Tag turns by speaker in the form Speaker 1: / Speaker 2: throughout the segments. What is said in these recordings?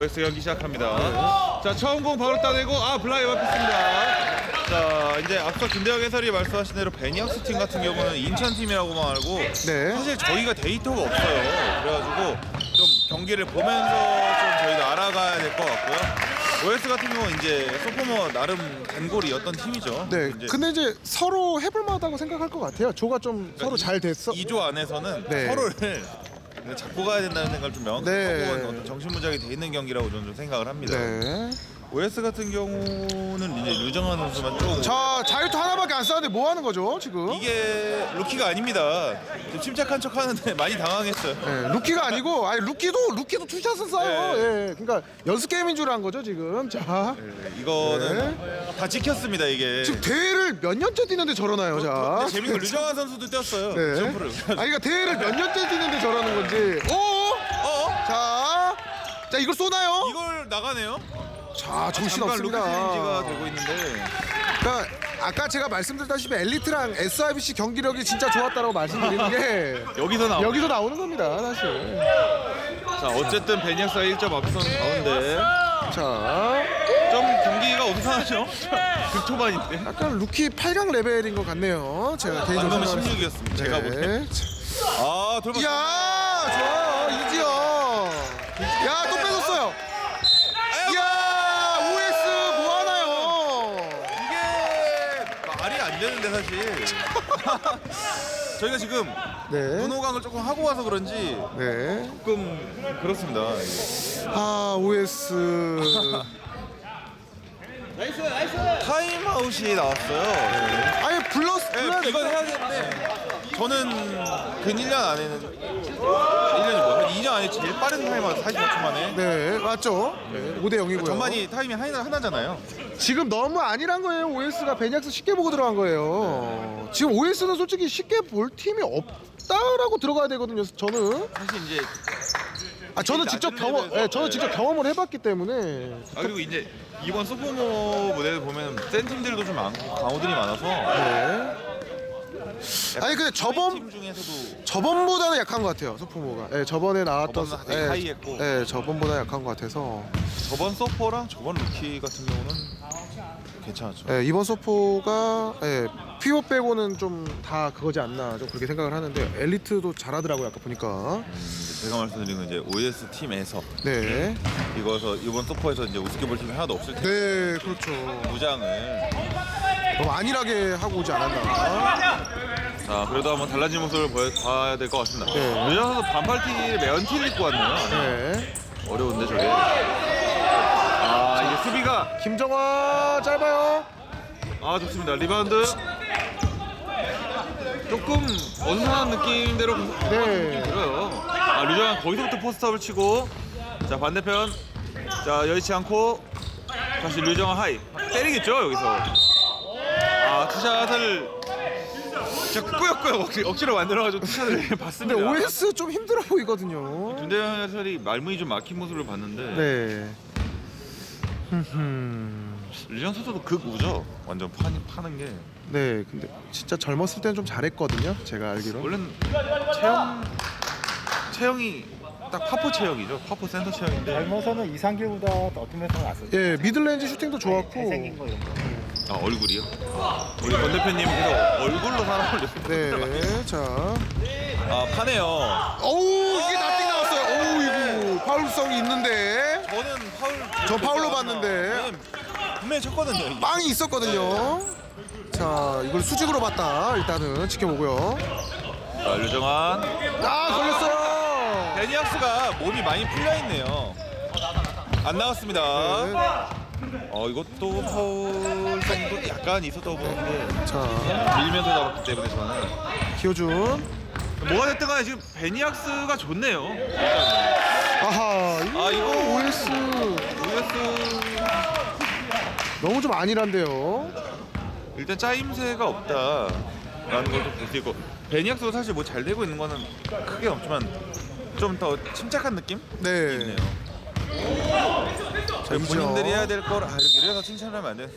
Speaker 1: OS 경기 시작합니다. 자, 처음 공 바로 따내고 블라이 막혔습니다. 자, 이제 앞서 김대영 해설이 말씀하신 대로 베니악스 팀 같은 경우는 인천 팀이라고만 알고
Speaker 2: 네.
Speaker 1: 사실 저희가 데이터가 없어요. 그래가지고 좀 경기를 보면서 좀 저희도 알아가야 될 것 같고요. OS 같은 경우는 이제 소포머 나름 단골이었던 팀이죠.
Speaker 2: 네. 근데 이제 서로 해볼 만하다고 생각할 것 같아요. 조가 좀 서로 잘 됐어.
Speaker 1: 2조 안에서는
Speaker 2: 네.
Speaker 1: 서로를 잡고 가야 된다는 생각을 좀 명확하고
Speaker 2: 네.
Speaker 1: 어떤 정신무장이 돼 있는 경기라고 저는 좀 생각을 합니다.
Speaker 2: 네.
Speaker 1: OS 같은 경우는 이제 류정환 선수만 조금
Speaker 2: 자, 자유투 하나밖에 안 쐈는데 뭐 하는 거죠, 지금?
Speaker 1: 이게 루키가 아닙니다. 좀 침착한 척 하는데 많이 당황했어요.
Speaker 2: 네, 루키가 아니고 루키도 투샷을 쏴요.
Speaker 1: 네.
Speaker 2: 예. 그러니까 연습 게임인 줄 안 거죠, 지금. 자.
Speaker 1: 이거는 다 지켰습니다, 이게.
Speaker 2: 지금 대회를 몇 년째 뛰는데 저러나요, 자.
Speaker 1: 근데 재밌고 류정환 선수도 뛰었어요.
Speaker 2: 네.
Speaker 1: 점프를.
Speaker 2: 그러니까 대회를 몇 년째 뛰는데 저러는 건지. 자, 이걸 쏘나요?
Speaker 1: 이걸 나가네요.
Speaker 2: 자, 정신
Speaker 1: 잠깐
Speaker 2: 없습니다.
Speaker 1: 루키 체인지가 되고 있는데
Speaker 2: 그러니까 아까 제가 말씀드렸다시피 엘리트랑 SIBC 경기력이 진짜 좋았다고 말씀드리는 게 여기서 나오는 겁니다, 사실.
Speaker 1: 자, 어쨌든 베니악스가 1점 앞서는 가운데
Speaker 2: 자,
Speaker 1: 좀 경기가 어수선하죠. 극초반인데.
Speaker 2: 약간 루키 8강 레벨인 것 같네요. 제가 개인적으로
Speaker 1: 방금은
Speaker 2: 생각했을
Speaker 1: 16이었습니다. 제가 보기엔. 돌파.
Speaker 2: 이야, 좋아요, 이지영. 야, 또 뺏었어요. 이야, OS 뭐 하나요?
Speaker 1: 이게 말이 안 되는데 사실. 저희가 지금
Speaker 2: 네,
Speaker 1: 문호강을 조금 하고 와서 그런지
Speaker 2: 네.
Speaker 1: 조금 그렇습니다.
Speaker 2: OS.
Speaker 1: 타임아웃이 나왔어요.
Speaker 2: 아니 불러야
Speaker 1: 이건 해야 되는데 저는 근 1년 안에는 1년이 한 2년 안에 제일 빠른 타임아웃 45초 만에.
Speaker 2: 네, 맞죠. 네, 5대 0이고요.
Speaker 1: 전반이 타임이 하나잖아요.
Speaker 2: 지금 너무 아니란 거예요. OS가 베니악스 쉽게 보고 들어간 거예요. 지금 OS는 솔직히 쉽게 볼 팀이 없다라고 들어가야 되거든요. 저는
Speaker 1: 사실 이제
Speaker 2: 저는 직접 경험을 해봤기 때문에.
Speaker 1: 그리고 이제 이번 소포모 무대를 보면 센 팀들도 좀 많고 강호들이 많아서
Speaker 2: 네. 아니 근데
Speaker 1: 팀 중에서도
Speaker 2: 저번보다는 약한 것 같아요. 소프모가. 네, 저번에 나왔던.
Speaker 1: 저번은 되게 하이했고.
Speaker 2: 네, 저번보다 약한 것 같아서.
Speaker 1: 저번 서퍼랑 저번 루키 같은 경우는 괜찮았죠.
Speaker 2: 네, 이번 소포가 피오 빼고는 좀 다 그거지 않나 좀 그렇게 생각을 하는데 엘리트도 잘하더라고요 아까 보니까.
Speaker 1: 제가 말씀드린 건 이제 OS 팀에서
Speaker 2: 네.
Speaker 1: 이번 서퍼에서 이제 우습게 볼 팀이 하나도 없을 텐데
Speaker 2: 네, 그렇죠.
Speaker 1: 무장을.
Speaker 2: 너무 안일하게 하고 오지 않았나.
Speaker 1: 자, 그래도 한번 달라진 모습을 봐야 될 것 같습니다.
Speaker 2: 네.
Speaker 1: 류정 선수 반팔티 매연티를 입고 왔네요.
Speaker 2: 네.
Speaker 1: 어려운데 저게. 이게 수비가
Speaker 2: 김정화 짧아요.
Speaker 1: 좋습니다. 리바운드 조금 어수선한 느낌대로
Speaker 2: 네.
Speaker 1: 들어요. 류정환 거기서부터 포스트업을 치고, 자 반대편, 자 여의치 않고 다시 류정환 하이 때리겠죠 여기서. 투샷을 진짜 꾸역꾸역 억지로 만들어가지고 투샷을 봤습니다.
Speaker 2: 근데 OS 좀 힘들어 보이거든요.
Speaker 1: 김대현 해설이 말문이 좀 막힌 모습을 봤는데
Speaker 2: 네.
Speaker 1: 류정환 선수도 극우죠. 완전 파는 게.
Speaker 2: 네, 근데 진짜 젊었을 때는 좀 잘했거든요. 제가 알기로.
Speaker 1: 원래는 체형이 딱 파포 체형이죠. 파포 센터 체형인데.
Speaker 3: 젊어서는 이상길보다 어떤 면에서 낫었죠.
Speaker 2: 예, 미들레인지 슈팅도 좋았고.
Speaker 3: 잘생긴 거 이런 거.
Speaker 1: 얼굴이요? 우리 권 대표님 계속 얼굴로 사람을
Speaker 2: 네, 자.
Speaker 1: 파네요.
Speaker 2: 어우, 이게 나띵 나왔어요. 어우, 이거 파울성이 있는데.
Speaker 1: 저는
Speaker 2: 저 파울로 봤는데.
Speaker 1: 왜냐면 분명히 쳤거든요. 이게.
Speaker 2: 빵이 있었거든요. 자, 이걸 수직으로 봤다. 일단은 지켜보고요.
Speaker 1: 자, 류정환.
Speaker 2: 걸렸어요.
Speaker 1: 베니악스가 몸이 많이 풀려 있네요. 안 나왔습니다.
Speaker 2: 네.
Speaker 1: 이것도 파울성도 약간 있었다고 보는데
Speaker 2: 자,
Speaker 1: 밀면서 잡았기 때문에 저는
Speaker 2: 기호준.
Speaker 1: 뭐가 됐든 간에 지금 베니악스가 좋네요.
Speaker 2: 아하,
Speaker 1: 이거
Speaker 2: OS 너무 좀 안일한데요.
Speaker 1: 일단 짜임새가 없다라는 걸 좀 볼 수 있고, 베니악스도 사실 뭐 잘 되고 있는 거는 크게 없지만 좀 더 침착한 느낌?
Speaker 2: 네.
Speaker 1: 있네요. 저희 본인들이 해야 될 걸 이래서 칭찬하면 안 돼.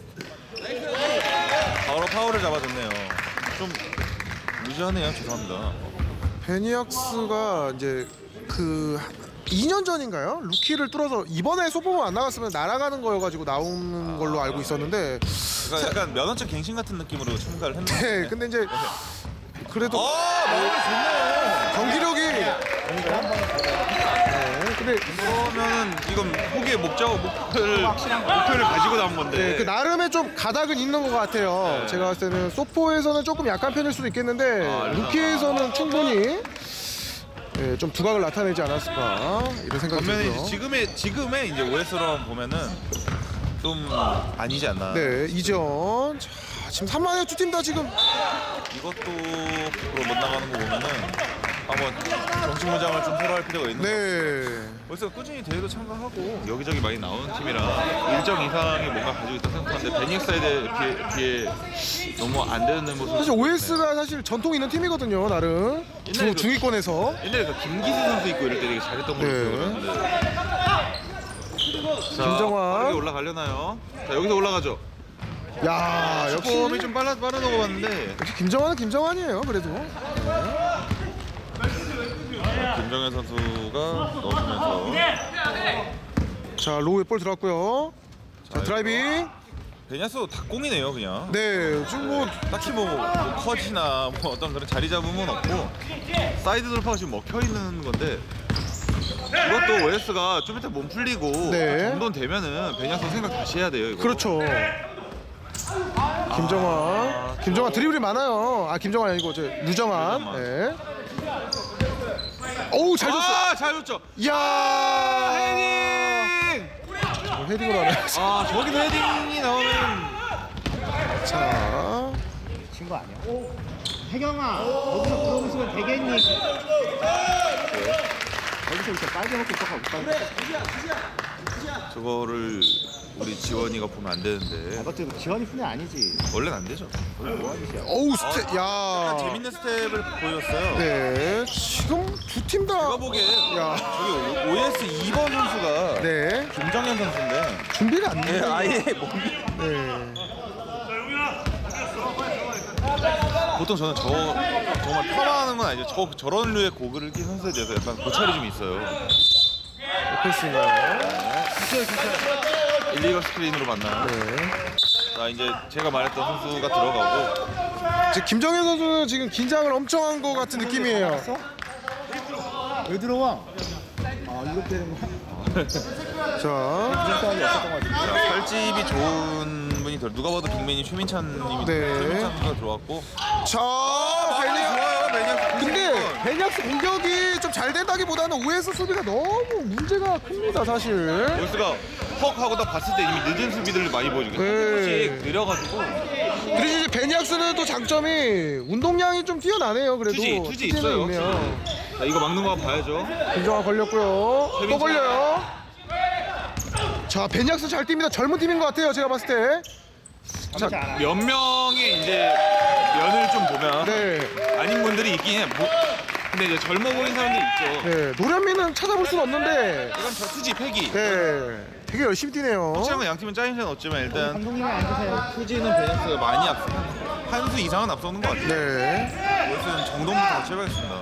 Speaker 1: 바로 파울을 잡아줬네요. 좀 무시하네요. 죄송합니다.
Speaker 2: 베니악스가 이제 그 2년 전인가요? 루키를 뚫어서 이번에 소포만 안 나갔으면 날아가는 거여가지고 나오는 걸로 알고 있었는데
Speaker 1: 그러니까 약간 면허증 갱신 같은 느낌으로 참가를 했는데.
Speaker 2: 네, 근데 이제 그래도
Speaker 1: 마음이 좋네요.
Speaker 2: 경기력이 네, 근데
Speaker 1: 그러면은 이건 포기의 목표를 가지고 나온 건데.
Speaker 2: 네, 그 나름의 좀 가닥은 있는 것 같아요.
Speaker 1: 네.
Speaker 2: 제가 봤을 때는 소포에서는 조금 약한 편일 수도 있겠는데
Speaker 1: 그래서-
Speaker 2: 루키에서는 충분히 네, 좀 두각을 나타내지 않았을까 이런 생각이
Speaker 1: 반면에
Speaker 2: 들고요.
Speaker 1: 이제 지금의 이제 OS로 보면은 좀 아니지 않나.
Speaker 2: 네, 이전 자, 지금 3만에 두 팀 다 지금
Speaker 1: 이것도 100% 못 나가는 거 보면은 한번 정신 무장을 좀 서로 할 필요가 있는 것 같아요.
Speaker 2: 네.
Speaker 1: 벌써 꾸준히 대회도 참가하고 여기저기 많이 나오는 팀이라 일정 이상의 뭔가 가지고 있다고 생각하는데 베닉사이드에 비해 너무 안 되는 모습.
Speaker 2: 사실 OS가 사실 전통 있는 팀이거든요, 나름
Speaker 1: 옛날에 그-
Speaker 2: 중위권에서.
Speaker 1: 옛날에 그 김기수 선수 있고 이럴 때 되게 잘했던 걸로
Speaker 2: 네.
Speaker 1: 기억하는데.
Speaker 2: 김정환.
Speaker 1: 빠르게 올라가려나요? 자 여기서 올라가죠.
Speaker 2: 야, 역시
Speaker 1: 폼이 좀 빠르다고 봤는데
Speaker 2: 역시 김정환은 김정환이에요, 그래도.
Speaker 1: 김정현 선수가 넣어주면서
Speaker 2: 자, 로우에 볼 들어갔고요. 자, 드라이빙.
Speaker 1: 베냐스 닭공이네요 그냥.
Speaker 2: 네, 지금 뭐
Speaker 1: 딱히 뭐 컷이나 뭐 어떤 그런 자리 잡음은 없고 사이드 돌파가 지금 먹혀 있는 건데 이것도 OS가 좀 이따 몸 풀리고
Speaker 2: 네.
Speaker 1: 정돈 되면은 베냐스 생각 다시 해야 돼요 이거.
Speaker 2: 그렇죠. 김정환 드리블이 많아요. 아, 김정환 아니고 저 류정환.
Speaker 1: 류정환.
Speaker 2: 네. 어우, 잘 줬어.
Speaker 1: 잘 줬죠.
Speaker 2: 이야,
Speaker 1: 헤딩!
Speaker 2: 헤딩으로 하네.
Speaker 1: 저기서 헤딩이 나오면
Speaker 2: 자,
Speaker 3: 친거 아니야? 혜경아, 거기서 그러고 있으면 되겠니? 거기서 이렇게 빨개 먹고 있다가 못 빨개.
Speaker 1: 저거를 우리 지원이가 보면 안 되는데
Speaker 3: 이것도 지원이 뿐이 아니지.
Speaker 1: 원래는 안 되죠.
Speaker 2: 어우, 스텝. 야.
Speaker 1: 재밌는 스텝을 보였어요.
Speaker 2: 네, 지금 두 팀 다.
Speaker 1: 제가 보기엔
Speaker 2: 야.
Speaker 1: 저기 OS 2번 선수가
Speaker 2: 네,
Speaker 1: 김정현 선수인데
Speaker 2: 준비가 안 돼.
Speaker 1: 아예 몸이
Speaker 2: 네.
Speaker 1: 보통 저는 정말 폄하하는 건 아니죠. 저런 류의 고글을 낀 선수에 대해서 약간 고찰이 좀 있어요.
Speaker 2: 패스인가요?
Speaker 1: 일리걸 스크린으로 만나요.
Speaker 2: 네.
Speaker 1: 자 이제 제가 말했던 선수가 들어가고
Speaker 2: 지금 김정현 선수는 지금 긴장을 엄청 한 것 같은 느낌이에요.
Speaker 3: 알았어? 왜 들어와? 이렇게 되는 거야?
Speaker 2: 자,
Speaker 3: 무슨 싸움이 없었던 것 같은데.
Speaker 1: 자, 살집이 좋은 분이 누가 봐도 빅맨이 최민찬님이
Speaker 2: 네.
Speaker 1: 최민찬 선수가 들어왔고
Speaker 2: 자,
Speaker 1: 많이
Speaker 2: 베냐.
Speaker 1: 좋아요 베냐.
Speaker 2: 근데 베냐스 공격이 좀 잘 된다기보다는 OS 수비가 너무 문제가 큽니다, 사실.
Speaker 1: 오스가 헉 하고 딱 봤을 때 이미 늦은 수비들을 많이 보여주고
Speaker 2: 네.
Speaker 1: 조금씩 느려가지고
Speaker 2: 그리고 이제 베냐스는 또 장점이 운동량이 좀 뛰어나네요. 그래도
Speaker 1: 투지
Speaker 2: 투지는
Speaker 1: 있어요.
Speaker 2: 있네요.
Speaker 1: 자 이거 막는 거 봐야죠.
Speaker 2: 김정환 걸렸고요. 또
Speaker 1: 최민찬.
Speaker 2: 걸려요. 자, 베냐스 잘 뜁니다. 젊은 팀인 것 같아요, 제가 봤을 때. 자,
Speaker 1: 몇 명의 이제 면을 좀 보면
Speaker 2: 네.
Speaker 1: 아닌 분들이 있긴 해. 근데 이제 젊어 보이는 사람들 있죠.
Speaker 2: 네, 노련미는 찾아볼 수는 없는데,
Speaker 1: 이건 저 투지 패기.
Speaker 2: 네, 되게 열심히 뛰네요.
Speaker 1: 확실한 건 양 팀은 짜임새는 없지만 일단
Speaker 3: 감독님이 앉으세요.
Speaker 1: 투지는 베네스가 많이 앞서 한 수 이상은 앞서는 것 같아요.
Speaker 2: 네.
Speaker 1: 오스는 정동부터 같이 해봐야겠습니다.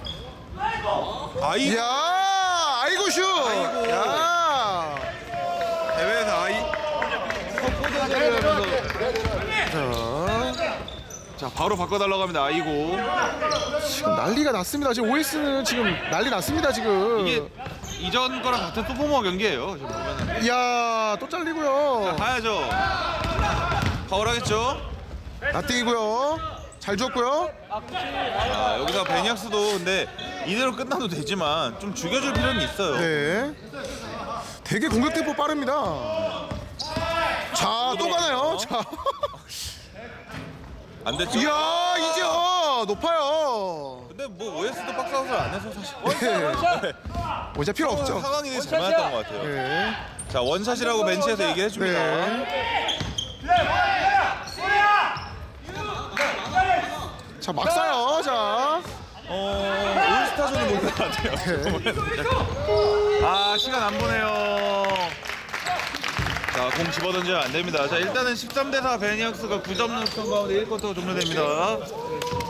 Speaker 1: 아이
Speaker 2: 이야, 아이고 슛.
Speaker 1: 아이고.
Speaker 2: 야.
Speaker 1: 대회에서 아이 포대자를 하면서
Speaker 2: 자,
Speaker 1: 자 바로 바꿔달라고 합니다. 아이고
Speaker 2: 지금 난리가 났습니다. 지금 OS는 지금 난리 났습니다. 지금.
Speaker 1: 이게 이전 거랑 같은 소포머 경기예요. 지금 보면은
Speaker 2: 이야, 또 잘리고요.
Speaker 1: 가야죠. 파울하겠죠.
Speaker 2: 나뛰고요. 잘 줬고요.
Speaker 1: 자 여기서 베니악스도 근데 이대로 끝나도 되지만 좀 죽여줄 필요는 있어요.
Speaker 2: 네. 되게 공격 템포 빠릅니다. 자, 또 가나요? 자.
Speaker 1: 안 됐죠.
Speaker 2: 이야, 이제요. 높아요.
Speaker 1: 근데 뭐 OS도 박스아웃을 안 해서 사실
Speaker 2: 네. 모자 필요 없죠.
Speaker 1: 상황이 되게 잘 맞았던 것 같아요.
Speaker 2: 네.
Speaker 1: 자 원샷이라고 벤치에서 얘기해 줍니다.
Speaker 2: 네. 자, 막 쏴요. 자.
Speaker 1: 올스타전을 보는 것 같아요. 아 시간 안 보네요. 자 공 집어던지면 안 됩니다. 자 일단은 13대4 베니악스가 9점 넣은 가운데 1쿼터 종료됩니다.